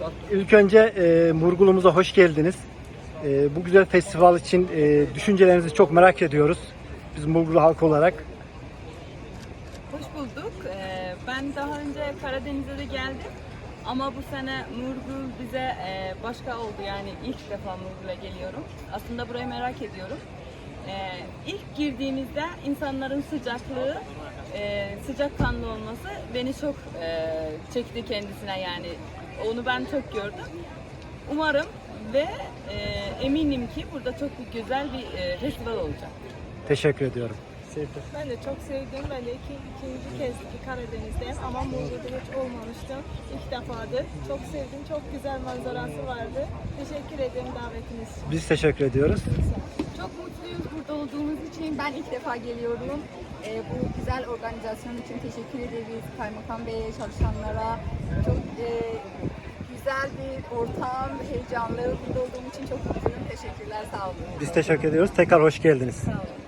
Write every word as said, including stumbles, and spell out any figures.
İlk önce e, Murgulumuza hoş geldiniz. E, bu güzel festival için e, düşüncelerinizi çok merak ediyoruz. Biz Murgulu halkı olarak. Hoş bulduk. Ee, ben daha önce Karadeniz'e de geldim. Ama bu sene Murgul bize e, başka oldu, yani ilk defa Murgul'a geliyorum. Aslında burayı merak ediyorum. Ee, ilk girdiğimizde insanların sıcaklığı, e, sıcakkanlı olması beni çok e, çekti kendisine, yani onu ben çok gördüm. Umarım ve e, eminim ki burada çok güzel bir e, festival olacak. Teşekkür ediyorum. Ben de çok sevdim. Ben de iki, ikinci kez Karadeniz'deyim ama Muğla'da hiç olmamıştım. İlk defadır. Çok sevdim. Çok güzel manzarası vardı. Teşekkür ederim davetiniz için. Biz teşekkür ediyoruz. Çok mutluyuz burada olduğumuz için. Ben ilk defa geliyorum. Ee, bu güzel organizasyon için teşekkür ederiz Kaymakam Bey'e, çalışanlara. Çok e, güzel bir ortam, heyecanlı. Burada olduğum için çok mutluyum. Teşekkürler, sağ olun. Biz teşekkür ediyoruz. Tekrar hoş geldiniz. Sağ olun.